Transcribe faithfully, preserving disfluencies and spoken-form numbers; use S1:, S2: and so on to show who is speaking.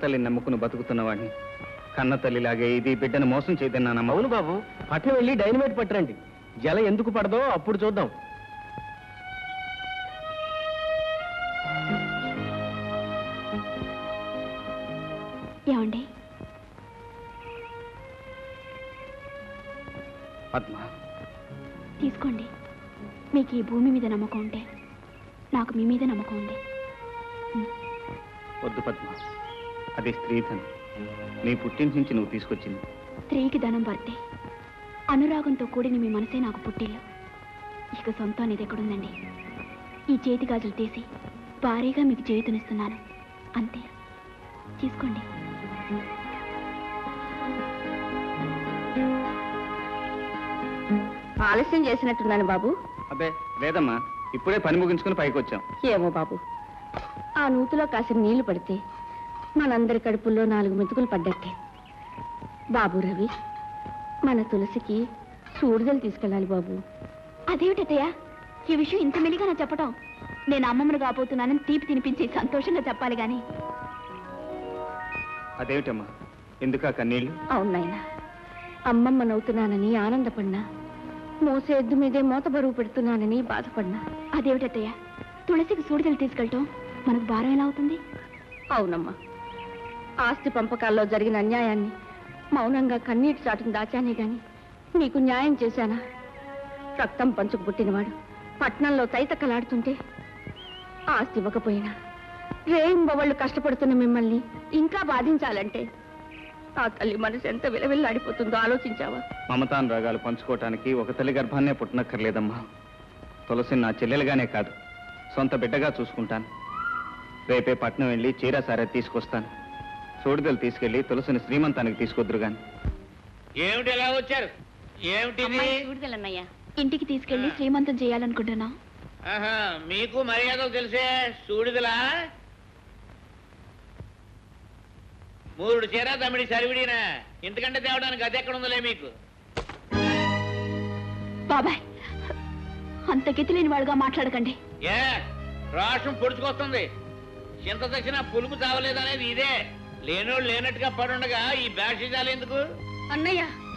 S1: తల్లిని నమ్ముకుని బతుకుతున్న వాడిని కన్న తల్లిలాగే ఇది బిడ్డను మోసం చేయదన్నా.
S2: అవును బాబు, పట్నం వెళ్ళి డైనమైట్ పట్టరండి. జల ఎందుకు పడదో అప్పుడు చూద్దాం.
S3: ఏమండి?
S1: పద్మ,
S3: తీసుకోండి. మీకు ఈ భూమి మీద నమ్మకం ఉంటే నాకు మీ మీద నమ్మకం ఉంది.
S1: వద్దు పద్మ, అది స్త్రీధనం. నీ పుట్టింటి నుంచి నువ్వు తీసుకొచ్చింది.
S3: స్త్రీకి ధనం వర్తే. అనురాగంతో కూడిన మీ మనసే నాకు పుట్టిల్లు. ఇక సొంతం అనేది ఎక్కడుందండి? ఈ చేతి గాజులు తీసి భారీగా మీకు చేతునిస్తున్నాను, అంతే. తీసుకోండి.
S4: ఆలస్యం చేసినట్టున్నాను బాబు.
S1: అబ్బే లేదమ్మా, ఇప్పుడే పని ముగించుకుని పైకి వచ్చాం.
S4: ఏమో బాబు, ఆ నూతిలో కాసిన నీళ్లు పడితే మనందరి కడుపుల్లో నాలుగు మెతుకులు పడ్డట్టే. బాబు రవి, మన తులసికి సూడిదలు తీసుకెళ్ళాలి బాబు.
S3: అదేమిటయ్యా ఈ విషయం ఇంత మెలిగా నా చెప్పటం? నేను అమ్మమ్మను కాబోతున్నానని తీపి తినిపించి సంతోషంగా చెప్పాలి గాని.
S1: అదేమిటమ్మా, ఎందుకా కన్నీళ్ళు?
S4: అవునాయన, అమ్మమ్మనవుతున్నానని ఆనందపడినా, మోసే ఎద్దు మీదే మోత బరువు పెడుతున్నానని బాధపడినా.
S3: అదేమిటయ్యా తులసికి సూడిదలు తీసుకెళ్ళటం మనకు భారం ఎలా అవుతుంది?
S4: అవునమ్మా, ఆస్తి పంపకాల్లో జరిగిన అన్యాయాన్ని మౌనంగా కన్నీటి చాటును దాచానే గాని నీకు న్యాయం చేశానా? రక్తం పంచుకు పుట్టినవాడు పట్నంలో తైతక్కలాడుతుంటే ఆస్తి ఇవ్వకపోయినా రేయింబవళ్ళు కష్టపడుతున్న మిమ్మల్ని ఇంకా బాధించాలంటే ఆ తల్లి మనసు ఎంత విలవిల్లాడిపోతుందో ఆలోచించావా?
S1: మమతాన్ రాగాలు పంచుకోవటానికి ఒక తల్లి గర్భాన్నే పుట్టనక్కర్లేదమ్మా. తులసిని నా చెల్లెలుగానే కాదు, సొంత బిడ్డగా చూసుకుంటాను. రేపే పట్నం వెళ్ళి చీర సారే తీసుకొస్తాను. సూడిదలు తీసుకెళ్లి తులసిని శ్రీమంతానికి తీసుకొద్దురు గాని.
S5: ఏమిటి ఎలా వచ్చారు? ఏమిటి
S3: సూడిదలన్నయ్యా? ఇంటికి తీసుకెళ్లి శ్రీమంతం చేయాలనుకుంటున్నా.
S5: మీకు మర్యాదలు తెలిసే సూడిదలా? మూడు చీర తమిడి సరివిడినా, ఇంతకంటే తేవడానికి అది ఎక్కడ ఉందలే మీకు.
S3: బాబాయ్, అంత గతి లేని వాడుగా మాట్లాడకండి.
S5: ఏ రాష్ట్రం పొడుచుకొస్తుంది. చింత తెచ్చినా పులుపు చావలేదనేది ఇదే. లేనోళ్ళు లేనట్టుగా పడుండగా ఈ బ్యాషిజాలు ఎందుకు?
S4: అన్నయ్య,